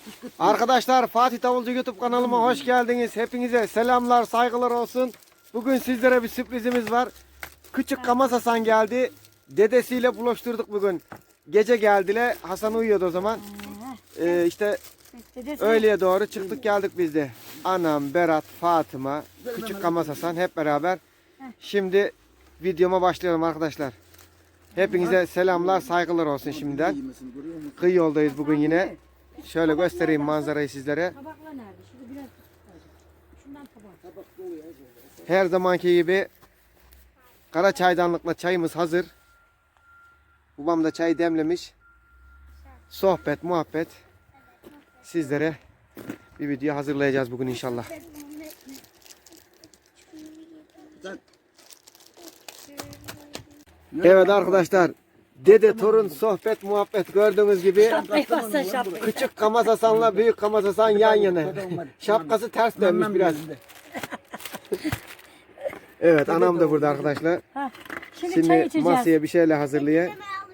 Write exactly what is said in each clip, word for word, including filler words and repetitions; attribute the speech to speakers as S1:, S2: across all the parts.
S1: Arkadaşlar Fatih Davulcu YouTube kanalıma hoş geldiniz. Hepinize selamlar, saygılar olsun. Bugün sizlere bir sürprizimiz var. Küçük Kamaz Hasan geldi. Dedesiyle buluşturduk bugün. Gece geldiler. Hasan uyuyordu o zaman. Ee, işte öğleye doğru çıktık geldik biz de. Anam, Berat, Fatıma, Küçük Kamaz Hasan hep beraber. Şimdi videoma başlayalım arkadaşlar. Hepinize selamlar, saygılar olsun şimdiden. Kıyı yoldayız bugün yine. Şöyle göstereyim manzarayı sizlere. Her zamanki gibi kara çaydanlıkla çayımız hazır. Babam da çay demlemiş. Sohbet, muhabbet. Sizlere bir video hazırlayacağız bugün inşallah. Evet arkadaşlar. Dede torun sohbet muhabbet gördüğünüz gibi Küçük Kamaz Hasan'la Büyük Kamaz Hasan yan yana. Şapkası ters dönmüş biraz. Evet anam da burada arkadaşlar. Şimdi masaya bir şeyler hazırlıyor.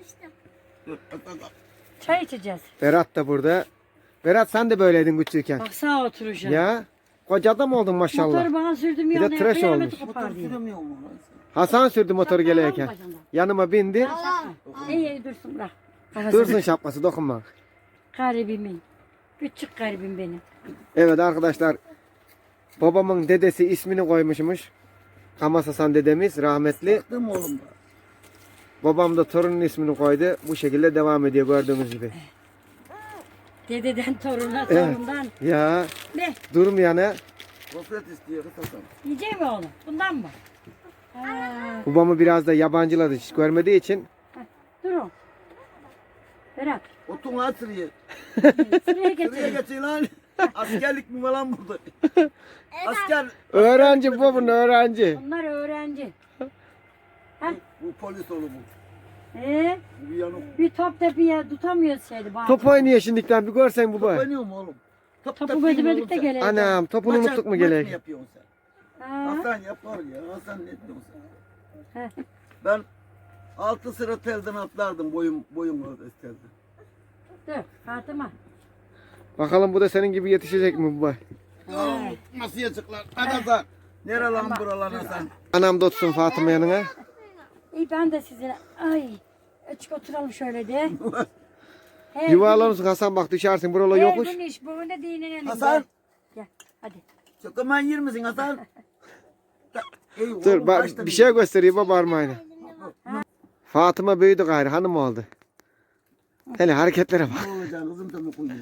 S2: Çay içeceğiz.
S1: Berat da burada. Berat sen de böyleydin küçükken.
S2: Bak sağa oturacağım.
S1: Ya koca adam oldun maşallah.
S2: Motoru bana sürdüm
S1: Bir
S2: ya.
S1: de tıraş olmuş. Hasan sürdü motoru gelirken. Yanıma bindi.
S2: İyi iyi dursun bırak.
S1: Dursun şapkası dokunma.
S2: Garibimin. Küçük garibim benim.
S1: Evet arkadaşlar. Babamın dedesi ismini koymuşmuş. Kamaz Hasan dedemiz rahmetli. Babam da torunun ismini koydu. Bu şekilde devam ediyor gördüğünüz gibi.
S2: Dededen toruna,
S1: Evet.
S2: torundan.
S1: Ya
S2: Ne?
S1: durmayana.
S3: Gofret istiyor Hasan.
S2: Yiyecek mi oğlum? Bundan mı? Ha,
S1: Babamı biraz da yabancıladı hiç görmediği için.
S2: durun. Berat.
S3: Otun lan sıraya.
S2: Sıraya
S3: Sıraya
S2: getirin.
S3: geçin lan. Askerlik mi var lan burada? Asker.
S1: Öğrenci babın öğrenci.
S2: Bunlar öğrenci.
S3: Bu polis oğlu bu.
S2: Ee,
S3: Bu yanık.
S2: bir top tepiye tutamıyoruz şeydi. Bazı.
S1: Top oynuyor şimdiden bir görsen baba.
S3: Oynuyor mu oğlum? Top
S2: Topu
S3: yapayım
S2: götürmedik
S3: oğlum
S2: de
S3: sen.
S2: gelelim.
S1: Anam topunu
S3: Maça-
S1: unuttuk mu
S3: maç
S1: gerek?
S3: yapıyorsun sen?
S2: Ha.
S3: Hasan yapar ya. Hasan ne diyorsun sen?
S2: Heh.
S3: Ben altı sıra telden atlardım boyum boyum orada telden.
S2: Dur Fatıma.
S1: Bakalım bu da senin gibi yetişecek mi baba?
S3: Ya, nasıl yazıklar? Hadi Hasan. Nere lan buralar Hasan?
S1: Anam da tutsun Fatıma yanına.
S2: İyi ben de size. Ay. Açık oturalım şöyle de. Her
S1: Yuvarlanırsın Hasan bak düşersin buralar
S2: gün-
S1: yokuş.
S2: Her gün iş bugün de dinlenelim.
S3: Hasan.
S2: Gel hadi.
S3: Çakaman yer misin Hasan? Ey
S1: Dur
S3: oğlum,
S1: bak
S3: kaçta
S1: bir şey göstereyim baba parmağıyla. Fatıma büyüdü gayrı hanım oldu. Hele hareketlere bak.
S3: Ne olacaksın kızım tabii koyuyor.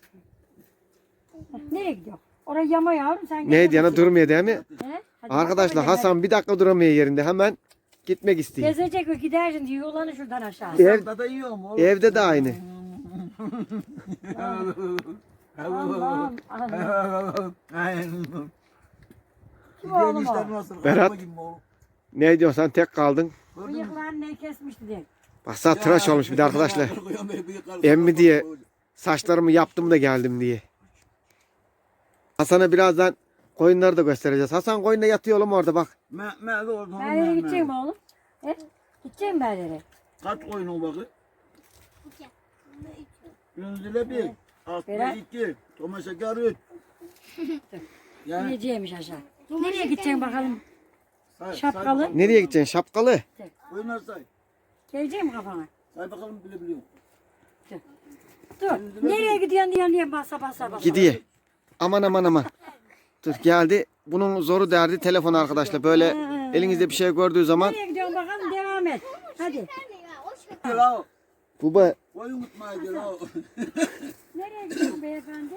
S2: Nereye gidiyor? Oraya yama yavrum sen gel.
S1: Neydi yana durmuyor değil mi?
S2: He? Hadi
S1: Arkadaşlar
S2: bakalım,
S1: Hasan bir dakika duramıyor yerinde hemen gitmek istiyor.
S2: gezecek ve gidersin diye yollanı şuradan aşağı.
S1: Ev,
S3: Hasan da yiyor mu oğlum?
S1: evde de aynı.
S2: Allah'ım. Allah'ım. Kim
S3: Gidiyorsun
S2: oğlum
S3: işler
S2: o?
S3: nasıl?
S1: Berat.
S3: Araba gibi mi oğlum?
S1: Ne diyorsun sen tek kaldın.
S2: Bıyıklarını ne kesmişti diye.
S1: Baksana tıraş olmuş bir de arkadaşlar. Emmi diye saçlarımı yaptım da geldim diye. Hasan'a birazdan koyunları da göstereceğiz. Hasan koyunda yatıyor oğlum orada bak.
S3: Me, me de orada.
S2: Berlere gidecek mi oğlum? He? Gidecek mi Berlere?
S3: Kaç oyun o bakı? Gündüzle bir. Altı
S2: Berat.
S3: iki. Toma şeker üç. Yani
S2: Gideceğimiş aşağı. Nereye gideceksin bakalım?
S3: say,
S2: Şapkalı.
S3: Say,
S1: Nereye gideceksin şapkalı?
S3: oyunlar say.
S2: Gelecek mi kafana?
S3: Say bakalım bilebiliyor.
S2: Dur. Nereye gidiyorsun diye diye basa basa basa.
S1: Gidiyor. Aman aman aman. Dur geldi. Bunun zoru derdi telefon arkadaşlar. Böyle elinizde bir şey gördüğü zaman.
S2: Nereye gidiyorsun bakalım devam et. Hadi.
S3: Gel o.
S1: Baba
S3: Oyun unutmaya gel o.
S2: Nereye gidiyorsun beyefendi?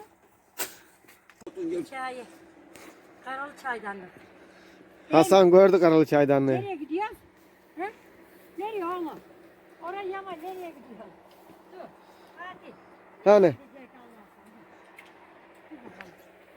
S2: Çayı. Karalı çaydanlık.
S1: Hasan gördü karalı çaydanlığı.
S2: Nereye gidiyorsun? He? Nereye oğlum? Oraya yama nereye gidiyorsun? Dur. Hadi.
S1: Hani
S2: Gidecek Allah sana. Dur bakalım.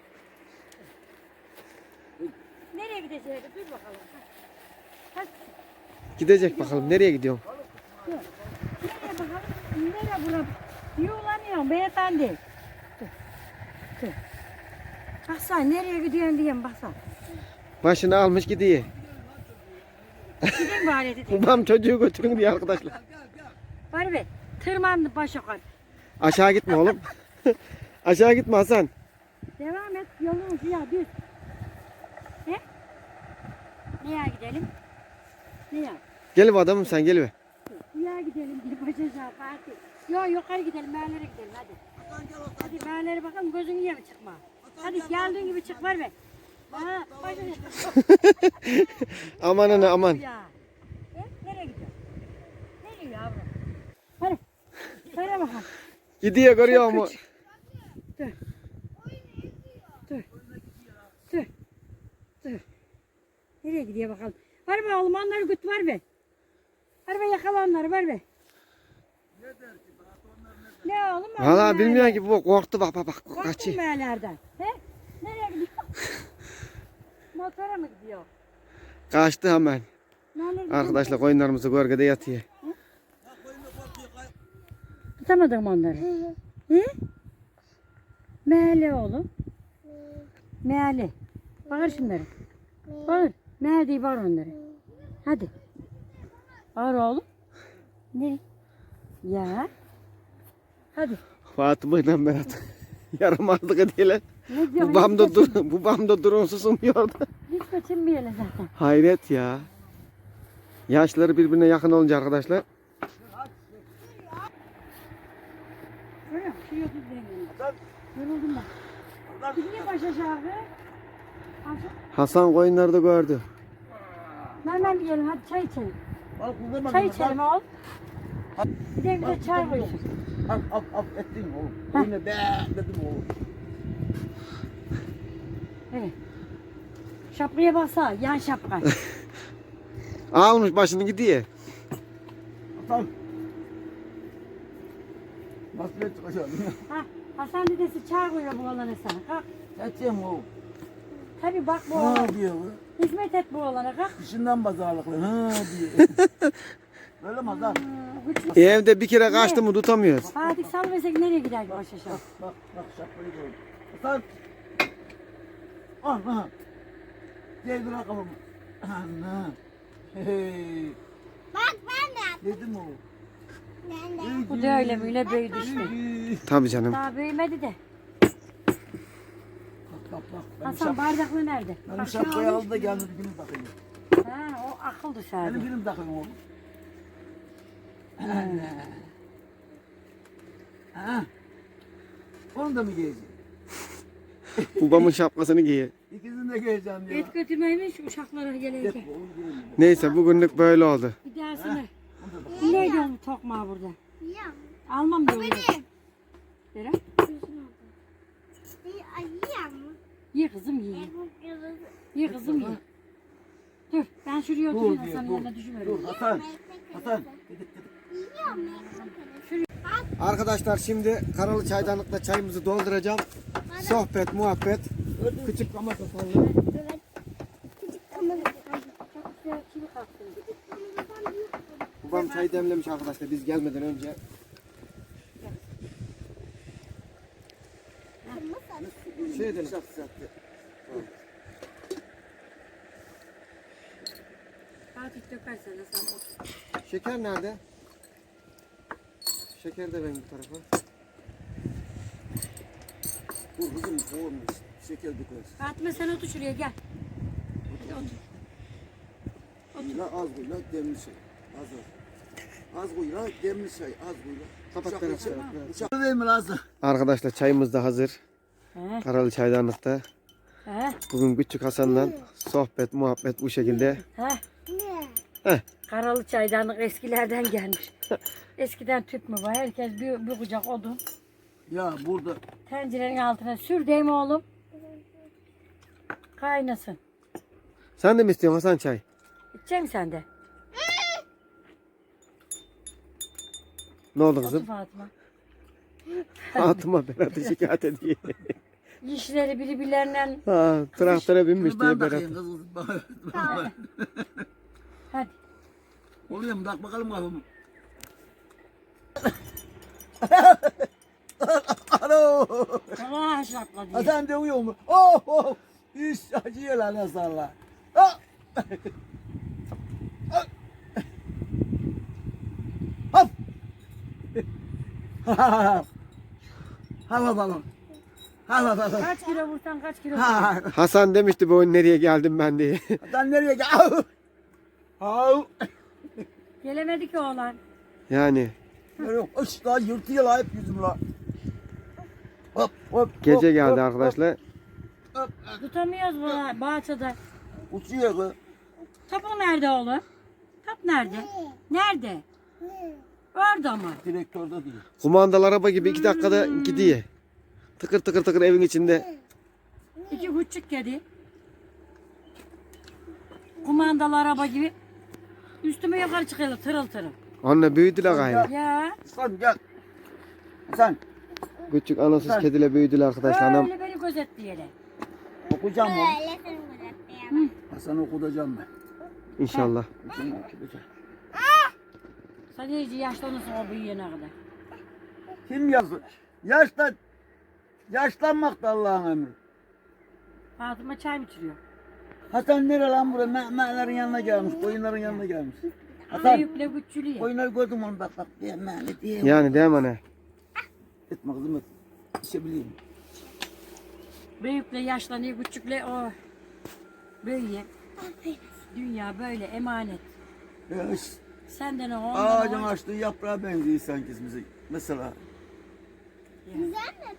S2: Nereye gideceğiz? Dur bakalım. Hadi.
S1: gidecek bakalım nereye gidiyorsun?
S2: Nereye bakalım? Nereye bura? Yuğlanıyorsun beyefendi. Dur. Dur. Baksana nereye gidiyorsun diyeyim baksana.
S1: Başını almış gidiyor.
S2: Gidin bari dedi.
S1: Babam çocuğu götürün diye arkadaşlar.
S2: Bari be. Tırmandı başa koy.
S1: Aşağı gitme oğlum. Aşağı gitme Hasan.
S2: Devam et. Yolun ucu ya düz. Ne? Neye gidelim? Neye?
S1: Gel be adamım sen gel be.
S2: Neye gidelim diye başa Fatih. Yok yukarı gidelim, meğerlere gidelim hadi. Hadi meğerlere bakalım, gözün iyi mi çıkma? Hadi geldiğin gibi çık var be. Ha, başa
S1: Aman ana aman.
S2: ya. E, nereye gidiyor? Nereye yavrum? Hadi. Söyle bakalım.
S1: Gidiyor görüyor mu?
S2: Dur. Dur. Dur. Dur. Nereye gidiyor bakalım? Var be oğlum, onları güt var be. Var be, yakala onları var be. Ne oğlum?
S1: Valla bilmiyorum ki bu korktu bak bak bak
S2: Korktun
S1: kaçıyor.
S2: meğerlerden. He? Nereye gidiyor? Motora mı gidiyor?
S1: Kaçtı hemen.
S2: Nereye gidiyor?
S1: Arkadaşlar koyunlarımızı gölgede yatıyor.
S2: Tutamadın mı onları? Hı? Meğerli oğlum. Meğerli. Bağır şunları. Bağır. Meğer diye bağır onları. Hadi. Bağır oğlum. Ne? Ya. Hadi.
S1: Fatıma ile Berat yaramazlık ediyorlar.
S2: Ne diyor?
S1: Bu bamda dur, bu bamda durun susmuyordu.
S2: Hiç kaçınmayalım zaten.
S1: Hayret ya. Yaşları birbirine yakın olunca arkadaşlar.
S2: Görüyor musun? Şu yokuz benim. Yoruldum ben. Gidiyor baş aşağı. Aşağı.
S1: Hasan koyunları da gördü.
S2: Hemen yiyelim, hadi çay içelim.
S3: Al kullanma.
S2: Çay içelim oğlum. Bir de bir de çay koysun.
S3: Al al al ettin oğlum. Yine be dedim oğlum.
S2: Evet. Şapkaya baksana, yan şapka.
S1: Almış başını gidiyor.
S3: Hasan. Nasıl çıkacağım?
S2: Ha, Hasan dedesi çay koyuyor bu oğlana sana. Kalk.
S3: Edeceğim oğlum.
S2: Tabii bak bu
S3: Ha
S2: oğlan.
S3: diyor bu.
S2: Hizmet et bu oğlana, kalk.
S3: Dışından pazarlıklı. Ha diyor. Öyle mi Hasan?
S2: Hmm, güçlü.
S1: Evde bir kere kaçtı mı tutamıyoruz.
S2: Fatih salversek nereye gider ki baş aşağı?
S3: Bak bak bak şapkayı koy. Hasan. Ah ah. Gel bırak kafamı. Anna. Hey.
S4: Bak ben de.
S3: Dedim oğlum.
S4: Ben de.
S2: Bu da öyle böyle büyüdü işte.
S1: Tabii canım.
S2: Daha büyümedi de.
S3: Bak bak bak. Benim,
S2: Hasan
S3: şap,
S2: bardaklı nerede?
S3: benim
S2: Bak,
S3: şapkayı
S2: şunu
S3: aldı da geldi bir film takayım.
S2: Ha, o akıl
S3: Benim
S2: dışarıda.
S3: film takayım oğlum. Ha. Onu da mı giyeceğim?
S1: Babamın şapkasını giyiyor.
S3: İkisini de giyeceğim ya.
S2: Et götürmeyin şu uşaklara
S3: Git
S2: gelince.
S3: oğlum gidelim.
S1: Neyse bugünlük böyle oldu.
S2: Bir dahasını. Ne diyorsun tokmağı burada?
S4: Ya.
S2: Almam diyorum.
S4: Benim.
S2: Dere.
S4: Bir ayıyam.
S2: Ye kızım ye.
S4: Bu kızı.
S2: Ye kızım ye. Dur ben şuraya
S3: Dur
S2: oturayım
S3: diyor,
S2: Hasan'ın
S3: dur.
S2: yanına düşüverim.
S3: Dur Hasan. Hasan. Gidip gidip.
S4: Yiyor mu?
S1: Arkadaşlar şimdi karalı çaydanlıkla çayımızı dolduracağım. Sohbet, muhabbet.
S3: Küçük ama kapalı.
S4: Evet. Küçük kamalı.
S2: Çok güzel çivi kalktı.
S1: Babam çay demlemiş arkadaşlar biz gelmeden önce. Şey edelim.
S2: Fatih dökersen Hasan otur.
S1: Şeker nerede? Şeker de ben bu tarafa.
S3: Dur kızım oğlum şeker dökeriz.
S2: Fatıma sen otur şuraya gel. Hadi otur.
S3: La az koy la demli şey. Az az. Az koy la demli şey az koy la.
S1: Kapat
S3: Uçak-
S1: Berat,
S3: uçak-
S1: Berat, Berat.
S3: Uçak değil mi lazım?
S1: Arkadaşlar çayımız da hazır.
S2: He.
S1: Karalı çaydanlıkta.
S2: He.
S1: Bugün küçük Hasan'la sohbet, muhabbet bu şekilde.
S2: He.
S4: Ne?
S2: Karalı çaydanlık eskilerden gelmiş. Eskiden tüp mü var? Herkes bir, bir kucak odun.
S3: Ya burada
S2: Tencerenin altına sür değil mi oğlum? Kaynasın.
S1: Sen de mi istiyorsun Hasan çay?
S2: İçecek misin sen de?
S1: Ne oldu
S2: Otur
S1: kızım?
S2: Fatıma.
S1: Fatıma Berat'ı şikayet ediyor.
S2: İşleri birbirlerinden.
S1: Ha, traktöre binmiş
S3: Kız
S1: diye
S3: ben
S1: Berat.
S3: takayım kız. Bana-
S2: Hadi.
S3: Oluyor mu? Tak bakalım kafamı. Alo.
S2: Allah şapla diye.
S3: Hasan de uyuyor mu? Oh oh. İş acıyor lan Hasan'la. Ah! Ah! Hop. Hava balon. Ha ha ha.
S2: Kaç kilo vursan kaç kilo
S3: Ha
S2: vursan.
S3: ha.
S1: Hasan demişti bu oyun nereye geldim ben diye.
S3: Sen nereye gel? Au. Au.
S2: Gelemedi ki oğlan.
S1: Yani
S3: Yok, ış lan yırtıyor lan hep yüzüm lan. Hop hop.
S1: gece
S3: hop,
S1: geldi
S3: hop,
S1: arkadaşlar.
S3: Hop,
S2: Tutamıyoruz bu bahçede.
S3: hop. Uçuyor kız.
S2: Topu nerede oğlum? Top nerede? Nerede? Orada mı?
S3: Direktörde değil.
S1: Kumandalı araba gibi iki dakikada gidiyor. Tıkır tıkır tıkır evin içinde.
S2: İki küçük kedi. Kumandalı araba gibi. Üstüme yukarı çıkıyorlar tırıl tırıl.
S1: Anne büyüdüler gayrı.
S2: Ya
S3: Sen gel. Sen
S1: Küçük anasız kediyle büyüdüler arkadaşlar. Anam
S2: öyle beni gözetleyelim.
S3: okuyacağım mı?
S4: Öyle seni bırakayım.
S3: Hasan okutacağım ben.
S1: inşallah.
S3: Hasan okutacağım.
S2: Sen iyice yaşlanırsın o büyüyene kadar.
S3: Kim yazdı? Yaşla, yaşlanmak da Allah'ın emri.
S2: Fatıma çay mı içiriyor?
S3: Hasan nere lan buraya? Mehmetlerin yanına gelmiş, koyunların yanına gelmiş. Hasan,
S2: Büyükle küçülüyor.
S3: koyunları gördüm onu bak bak diye mehmet diye.
S1: Yani değil mi anne?
S3: Etme kızım et. İşe bileyim.
S2: Büyükle yaşlanıyor, küçükle o büyüyor. Dünya böyle emanet.
S3: Ya, iş,
S2: Senden o ondan
S3: ağacın
S2: o.
S3: açtığı yaprağa benziyor sanki bize. Mesela
S4: Güzel mi?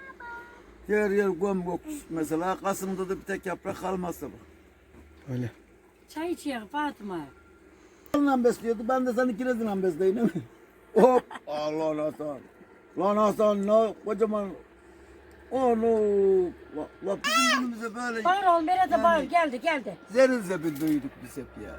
S3: yer yer göm gök. Mesela Kasım'da da bir tek yaprak kalmazsa bak.
S1: Öyle.
S2: Çay içiyor Fatıma.
S3: Lan besliyordu. Ben de seni kirezinden besleyeyim değil mi? Hop. Allah Hasan. Lan Hasan ne kocaman. Onu. La, la bizim günümüzde böyle
S2: Bağır oğlum Berat'a
S3: Yani-
S2: bağır geldi geldi.
S3: zeril zebil büyüdük biz hep ya.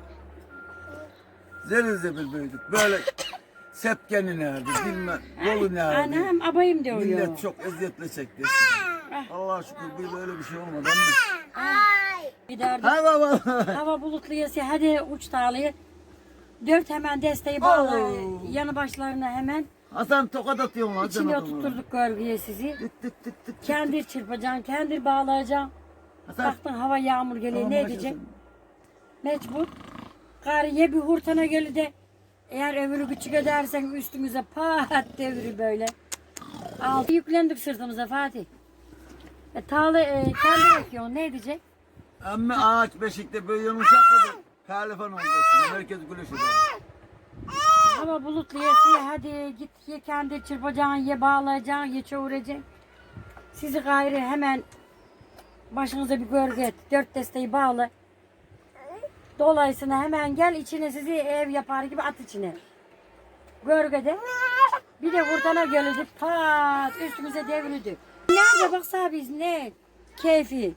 S3: Zeril zebil büyüdük. Böyle sepkeni nerede, bilmem, yolu nerede.
S2: Anam abayım diyor.
S3: Millet çok eziyetle çekti. Allah şükür bir böyle bir şey olmadı ama.
S4: Ay.
S2: Giderdi.
S3: Ha baba.
S2: Hava bulutlu yası hadi uç tarlayı. Dört hemen desteği bağla.
S3: Oo.
S2: Yanı başlarına hemen.
S3: Hasan tokat atıyorsun lan.
S2: İçine oturtturduk gölgeye sizi.
S3: Tık tık tık tık.
S2: Kendir çırpacaksın, kendir bağlayacaksın.
S3: Hasan.
S2: Baktın hava yağmur geliyor
S3: Tamam,
S2: ne
S3: başlasın.
S2: edecek? Mecbur. Gariye bir hurtana geli de eğer öbürü küçük edersen üstümüze pat devri böyle. Altı yüklendik sırtımıza Fatih. E, tağla e, kendi ekiyorsun ne edecek?
S3: Ama ağaç beşikte böyle yumuşakladı. Kalifan olacaksın. Herkes güleş eder.
S2: Hava bulutlu yesi hadi git ye kendi çırpacaksın, ye bağlayacaksın, ye çoğuracaksın. Sizi gayrı hemen başınıza bir gölge et. Dört desteği bağla. Dolayısıyla hemen gel içine sizi ev yapar gibi at içine. Gölgede. Bir de hurtana geldi pat üstümüze devrildi. Nerede baksa biz ne keyfi.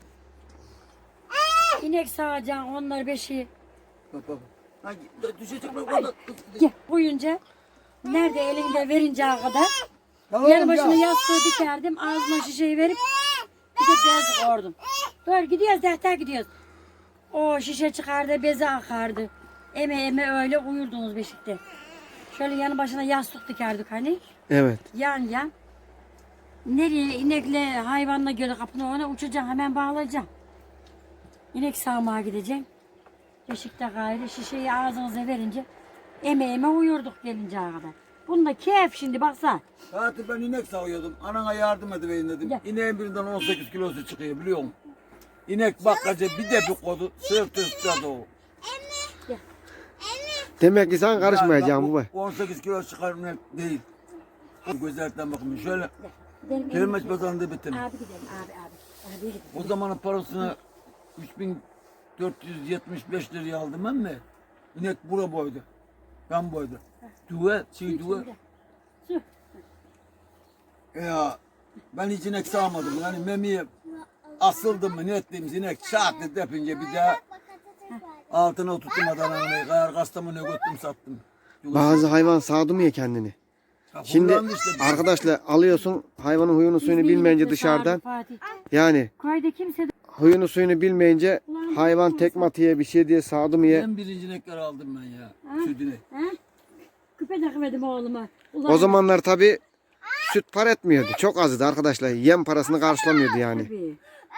S2: İnek sağacaksın onlar beşi.
S3: Bak bak. Ha, düşecek mi burada?
S2: Gel koyunca nerede elinde verinceye kadar
S3: Tamam
S2: yanı başına
S3: ya.
S2: yastığı dikerdim ağzına şişeyi verip bir de bez koydum. Dur gidiyoruz defter gidiyoruz. O şişe çıkardı beze akardı. Eme eme öyle uyurdunuz beşikte. Şöyle yanı başına yastık dikerdik hani
S1: Evet.
S2: yan yan. Nereye inekle hayvanla göre kapını ona uçacaksın hemen bağlayacaksın. İnek sağmaya gideceksin. Beşikte gayrı şişeyi ağzınıza verince eme eme uyurduk gelinceye kadar. Bunda keyif şimdi baksana.
S3: Fatih ben inek sağıyordum. Anana yardım edeyim dedim.
S2: Gel.
S3: İneğin birinden on sekiz kilosu çıkıyor biliyor musun? İnek bakkaca bir de bir kodu. Sırtı üstüne doğru.
S1: Demek ki sen karışmayacaksın baba.
S3: on sekiz kilo çıkar inek değil. O gözlerden bakın şöyle.
S2: Gidelim,
S3: Kelime pazarında bitirdim.
S2: Abi gidelim abi abi. Abi gidelim.
S3: O zamanın parasını üç bin dört yüz yetmiş beş liraya aldım ben mi? İnek bura boydu. Ben boydu. Duve, şey duve.
S2: Su.
S3: Ya ben hiç inek sağmadım. Yani memiye asıldım mı ne ettiğimiz inek şak dedi yapınca bir daha altına oturtmadan hani kayar kastamonu götürdüm sattım.
S1: Bazı hayvan sağdı mı ya kendini?
S3: Ya
S1: Şimdi
S3: kullandı işte.
S1: arkadaşlar alıyorsun hayvanın huyunu suyunu bilmeyince dışarıdan.
S2: Fatih.
S1: Yani
S2: Köyde kimse de
S1: huyunu suyunu bilmeyince hayvan tekme atıyor bir şey diye sağdı mı ya.
S3: En birinci inekleri aldım ben ya. Sütüne.
S2: ha? Küpe takmadım oğluma. Ulan,
S1: O zamanlar tabi süt para etmiyordu. Çok azdı arkadaşlar. Yem parasını karşılamıyordu yani.
S2: tabii.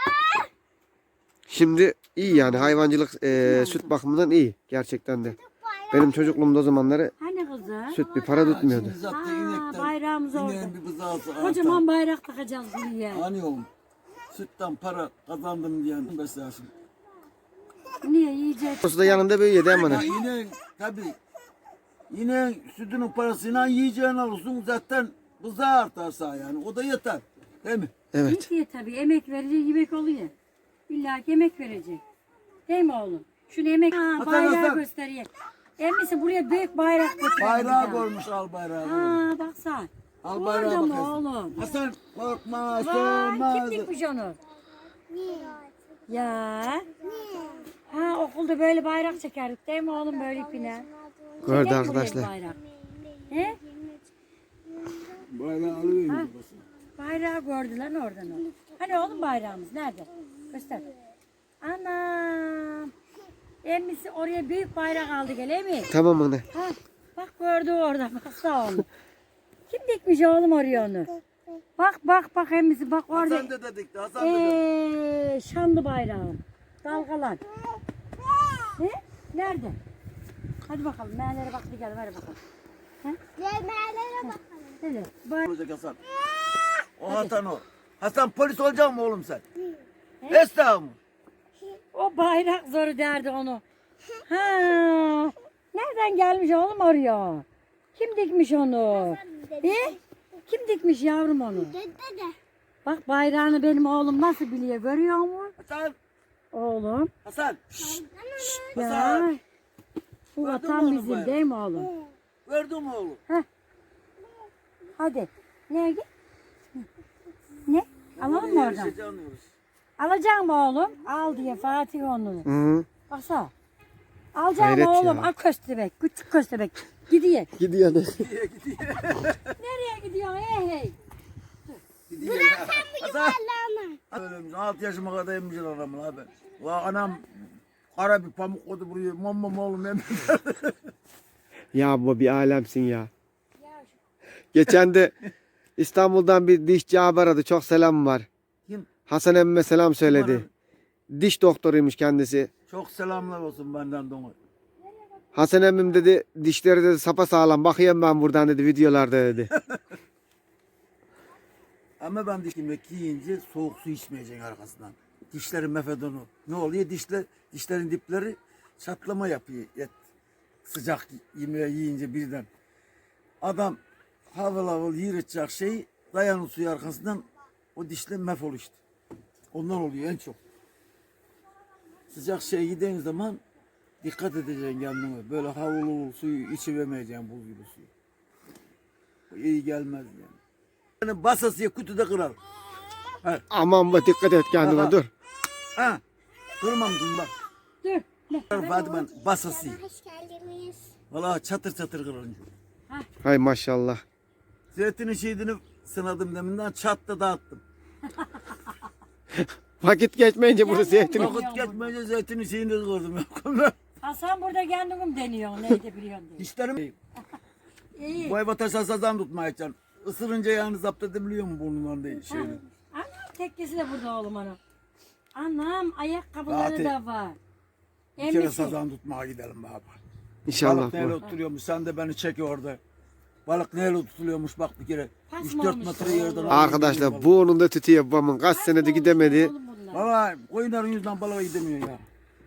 S1: Şimdi iyi yani hayvancılık e, süt bakımından iyi gerçekten de. Benim çocukluğumda o zamanları
S2: Hani buzağı.
S1: Süt bir para tutmuyordu.
S3: Şimdi zaten
S2: Aa,
S3: inekten,
S2: bayrağımız orada.
S3: ineğin bir bızağısı artar.
S2: Kocaman bayrak takacağız buraya.
S3: Hani oğlum, sütten para kazandım diyen beslersin.
S2: Niye yiyecek?
S1: Orası da yanında büyüyor değil mi
S3: Ya
S1: ana?
S3: yine tabii, yine sütünün parasıyla yiyeceğini alırsın zaten bızağı artarsa yani o da yeter. Değil mi?
S1: Evet.
S2: İyi tabii emek verecek yemek oluyor. İlla ki emek verecek. Değil mi oğlum? Şunu emek ha,
S3: Hasan,
S2: bayrağı
S3: Hasan.
S2: gösteriyor. Emmisi buraya büyük bayrak götürüyor.
S3: Bayrağı koymuş al bayrağı.
S2: Ha baksana.
S3: Al
S2: Bu
S3: bayrağı
S2: orada mı
S3: bakıyorsun.
S2: oğlum?
S3: Hasan korkma
S2: Vay
S3: sönmez.
S2: kim dikmiş onu? Ya. Ha okulda böyle bayrak çekerdik değil mi oğlum böyle ipine?
S1: Gördü
S2: Çeker mi buraya
S1: arkadaşlar.
S2: bayrak? He?
S3: Bayrağı alıvereyim
S2: Ha.
S3: babası.
S2: Bayrağı gördü lan oradan o. Hani oğlum bayrağımız nerede? Göster. Anam. Emmisi oraya büyük bayrak aldı gel mi?
S1: Tamam ana.
S2: Ha, bak gördü orada. Baksana onu. Kim dikmiş oğlum oraya onu? Bak bak bak emmisi bak orada.
S3: Hasan dede dikti Hasan dede.
S2: Eee şanlı bayrağım. Dalgalan. Ne? Nerede? Hadi bakalım. Meğerlere bak bir gel. Ver bakalım.
S4: Yemeğlere bakalım.
S2: Hadi. Bay-
S3: Olacak Hasan. O Hasan o. Hasan polis olacak mı oğlum sen? Esnaf mı?
S2: O bayrak zoru derdi onu. Ha. Nereden gelmiş oğlum oraya? Kim dikmiş onu? He? Kim dikmiş yavrum onu?
S4: Dede de.
S2: Bak bayrağını benim oğlum nasıl biliyor görüyor musun?
S3: Hasan.
S2: Oğlum.
S3: Hasan.
S2: Ya.
S3: Hasan.
S2: Bu
S3: Gördün mü
S2: vatan
S3: onu
S2: bizim
S3: bayrağı?
S2: değil mi oğlum?
S3: Gördün mü oğlum?
S2: Hadi. Nereye git? Ne? Alalım mı oradan?
S3: Yarışacağız, anlıyoruz.
S2: Alacak mı oğlum? Al diye Fatih onu.
S1: Hı.
S2: Baksana. Alacak
S1: Hayret
S2: mı oğlum?
S1: ya.
S2: Al köstebek. Küçük köstebek. Gidiyor.
S1: Gidiyor ana.
S2: Nereye gidiyor? Hey hey.
S3: Hasan. Öyle altı yaşıma kadar emmişler adamın abi. La anam kara bir pamuk koydu buraya. Mamma oğlum emmiş.
S1: Ya bu bir alemsin ya. Geçen de İstanbul'dan bir dişçi abi aradı. Çok selam var.
S3: Kim?
S1: Hasan emmime selam söyledi.
S3: aradı?
S1: Diş doktoruymuş kendisi.
S3: Çok selamlar olsun benden de ona.
S1: Hasan emmim dedi dişleri dedi sapasağlam bakıyorum ben buradan dedi videolarda dedi.
S3: Ama ben diş yemek yiyince soğuk su içmeyeceksin arkasından. Dişlerin mefedonu. Ne oluyor? Dişler, dişlerin dipleri çatlama yapıyor. Et, sıcak yemeği yiyince birden. Adam havıl havıl yiyecek şeyi dayanın suyu arkasından o dişle mefol işte. Ondan oluyor en çok. Sıcak şey yediğin zaman dikkat edeceksin kendine. Böyle havul havul suyu içivermeyeceksin buz gibi suyu. O iyi gelmez yani. Yani basasıya kutuda kırar. Ha,
S1: Aman be dikkat et kendine
S3: Aha.
S1: dur.
S3: ha. Kırmam kızım bak.
S2: Dur. Ne?
S3: Fatma basası.
S4: Hoş geldiniz.
S3: Valla çatır çatır kırılınca.
S1: Hay maşallah.
S3: Zeytinin şeyini sınadım deminden çattı dağıttım.
S1: Vakit geçmeyince burada zeytin.
S2: Yok.
S3: Vakit geçmeyince zeytinin şeyini kırdım. ya.
S2: Hasan burada kendim deniyor. Neydi biliyorsun diye.
S3: Dişlerim
S2: İyi.
S3: bu eve taşa sazan tutmayacaksın. Isırınca yani zapt edebiliyor mu burnundan değil şeyini.
S2: Anam tekkesi de burada oğlum ana. Anam ayakkabıları
S3: Fatih.
S2: da var.
S3: Bir kere
S2: Emmisi.
S3: sazan tutmaya gidelim baba.
S1: İnşallah
S3: Balık neyle
S1: bu.
S3: oturuyormuş sen de beni çek orada. Balık neyle tutuluyormuş bak bir kere.
S2: Pas
S3: üç
S2: mı
S3: dört
S2: olmuş
S3: metre
S2: oğlum?
S3: yerden.
S1: Arkadaşlar burnunda tütüyor babamın. Kaç senede gidemedi.
S2: Oğlum bunlar.
S3: Valla koyunların yüzünden balığa gidemiyor ya.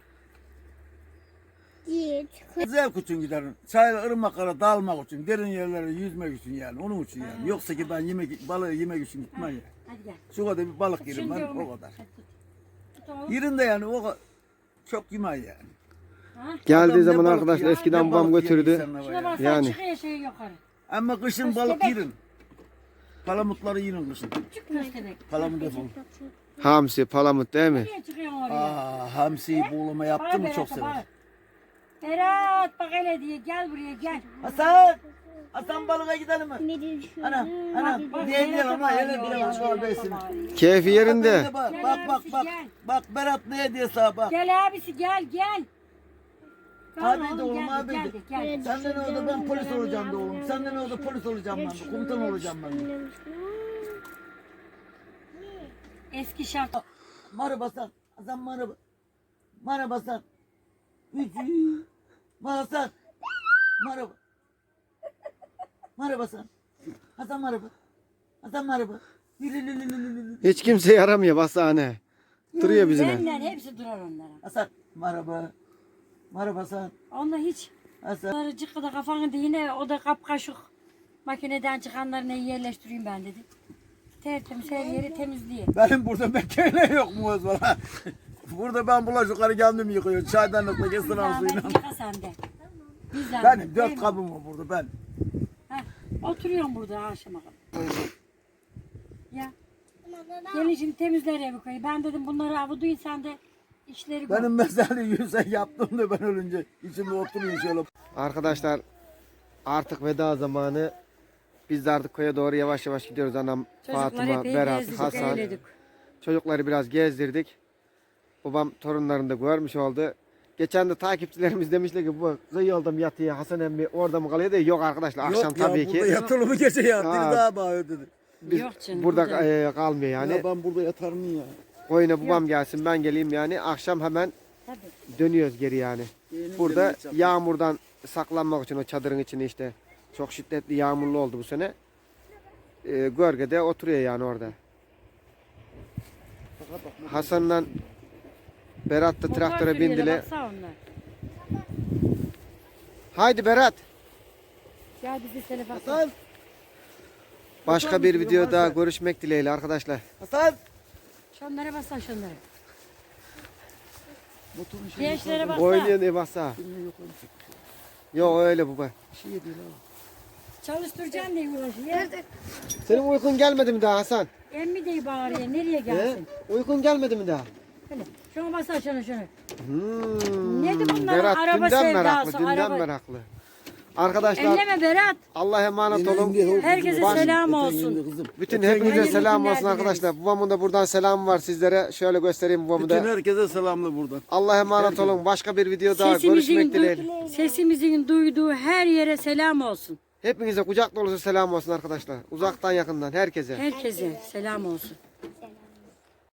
S4: Yiğit.
S3: Zevk için giderim. Çayla ırmaklara dalmak için, derin yerlere yüzmek için yani. Onun için yani. Yoksa ki ben yemek, balığı yemek için gitmem ya.
S2: Hadi gel.
S3: Şu kadar bir balık yerim
S2: Şimdi
S3: ben
S2: onu-
S3: o kadar.
S2: Hadi tut. Tut oğlum.
S3: Yerim de yani o kadar. Çok yemem yani.
S2: Ha?
S1: Geldiği
S3: Adam ne
S1: zaman
S3: balık
S1: arkadaşlar
S3: yiyor,
S1: eskiden
S3: ne
S1: babam
S3: balık yiyor
S1: götürdü.
S3: insanlar
S2: Şuna
S3: ya.
S2: bak
S1: Yani.
S2: sen çıkıyor şey yukarı.
S3: Ama kışın balık yerim. Palamutları yiyin kışın.
S2: Çık köstebek.
S3: Palamut defol.
S1: Hamsi, palamut değil mi?
S2: Nereye çıkıyorsun oraya?
S3: Aa, hamsiyi buğulama yaptı mı çok sever.
S2: Berat bak hele diye gel buraya gel.
S3: Hasan! Hasan balığa gidelim mi?
S4: Ne düşünüyorsun?
S3: Ana, ana,
S2: Bak,
S3: diye diyelim ama
S2: Berat'a
S3: hele
S2: bağırıyor,
S3: bir
S2: Berat'a
S3: ağabeysin.
S2: bağırıyor.
S1: Keyfi yerinde.
S3: Bak,
S2: Gel
S3: bak, bak,
S2: abisi,
S3: bak.
S2: gel.
S3: Bak Berat ne diye sana bak.
S2: Gel abisi gel gel.
S3: Hadi
S2: Tamam
S3: de oğlum,
S2: geldik,
S3: hadi de.
S2: geldik, geldik.
S3: Sen de ne oldu ben polis olacağım da oğlum. Sen de ne oldu polis olacağım ben de. Komutan olacağım ben de.
S2: Eski şart.
S3: Merhaba Hasan. Hasan merhaba. Merhaba Hasan. Üçü. Merhaba Hasan. Merhaba. Merhaba Hasan. Hasan merhaba. Hasan merhaba. Lü lü lü lü lü lü lü.
S1: Hiç kimse yaramıyor basane. Duruyor bizimle.
S2: Benden hepsi durar onlara.
S3: Hasan merhaba. Merhaba Hasan.
S2: Onda hiç.
S3: Hasan.
S2: Onları cıkkıda kafanı yine o da kapkaşık. Makineden çıkanlarını yerleştireyim ben dedi. Tertemiz her yeri temizliyor.
S3: Benim burada makine yok mu Özbala? Burada ben bulaşıkları kendim yıkıyorum. Çaydanlıkla kesin
S2: Zahmet
S3: suyla.
S2: yıka sen de. Bir zahmet,
S3: Benim
S2: değil
S3: dört
S2: mi?
S3: kabım var burada ben.
S2: Heh, oturuyorum burada akşama kadar. Ya
S4: Ama baba.
S2: gelin şimdi temizler evi koyu. Ben dedim bunları avuduyun sen de işleri gör.
S3: Benim mesele yüze yaptım da ben ölünce içimde oturuyor şöyle.
S1: Arkadaşlar artık veda zamanı. Biz de artık köye doğru yavaş yavaş gidiyoruz. Anam,
S2: Çocuklar
S1: Fatıma,
S2: epey
S1: Berat,
S2: gezdik,
S1: Hasan.
S2: eğledik.
S1: Çocukları biraz gezdirdik. Babam torunlarını da görmüş oldu. Geçen de takipçilerimiz demişler ki bu kıyı yolda mı yatıyor Hasan emmi orada mı kalıyor da yok arkadaşlar akşam
S3: Yok ya,
S1: tabii ki.
S3: burada yatılı mı gece ya?
S1: Ha.
S3: Biri daha bağırıyor dedi.
S1: Biz
S2: Yok canım,
S1: burada
S2: burada-
S1: e, kalmıyor yani.
S3: Ya ben burada yatar mıyım ya?
S1: Koyuna babam gelsin ben geleyim yani. Akşam hemen
S2: Tabii.
S1: dönüyoruz geri yani.
S3: Yeğenim
S1: Burada
S3: gelmiş yaptı.
S1: yağmurdan saklanmak için o çadırın içine işte çok şiddetli yağmurlu oldu bu sene. E, gölgede oturuyor yani orada. Hasan'la Berat da
S2: Motor
S1: traktöre
S2: sürüyorlar,
S1: bindiler.
S2: baksana onlar.
S1: Haydi Berat.
S2: Gel bizi telefon.
S3: Hasan!
S1: Başka bir video daha görüşmek dileğiyle arkadaşlar.
S3: Hasan!
S2: Şunlara bassan şunlara.
S3: Motorun şeyi
S2: Gençlere bassan.
S1: Oynayan ev bassa.
S3: yok öyle
S1: Yok öyle baba.
S3: bir şey değil abi.
S2: Çalıştıracaksın diye uğraşıyor.
S1: Senin uykun gelmedi mi daha Hasan?
S2: Emmi diye bağırıyor. Nereye
S1: He?
S2: gelsin?
S1: Uykun gelmedi mi daha?
S2: Hele. Şuna bassan şunu şunu.
S1: Hmm.
S2: Nedir bunların
S1: Berat
S2: araba
S1: dünden
S2: sevdası,
S1: meraklı, dünden
S2: araba-
S1: meraklı. Arkadaşlar
S2: Elleme Berat.
S1: Allah'a emanet olun.
S2: Herkese
S1: Baş-
S2: selam olsun.
S3: Kızım.
S1: Bütün
S3: Öten
S1: hepinize
S2: Hayırlı
S1: selam
S2: günler
S1: olsun arkadaşlar. Babamın da buradan selamı var sizlere. Şöyle göstereyim babamı
S3: Bütün
S1: da.
S3: herkese selamlı buradan.
S1: Allah'a emanet olun. Başka bir video daha
S2: Sesimizin,
S1: görüşmek dileğiyle.
S2: du- sesimizin duyduğu her yere selam olsun.
S1: Hepinize kucak dolusu selam olsun arkadaşlar. Uzaktan yakından herkese.
S2: Herkese selam olsun.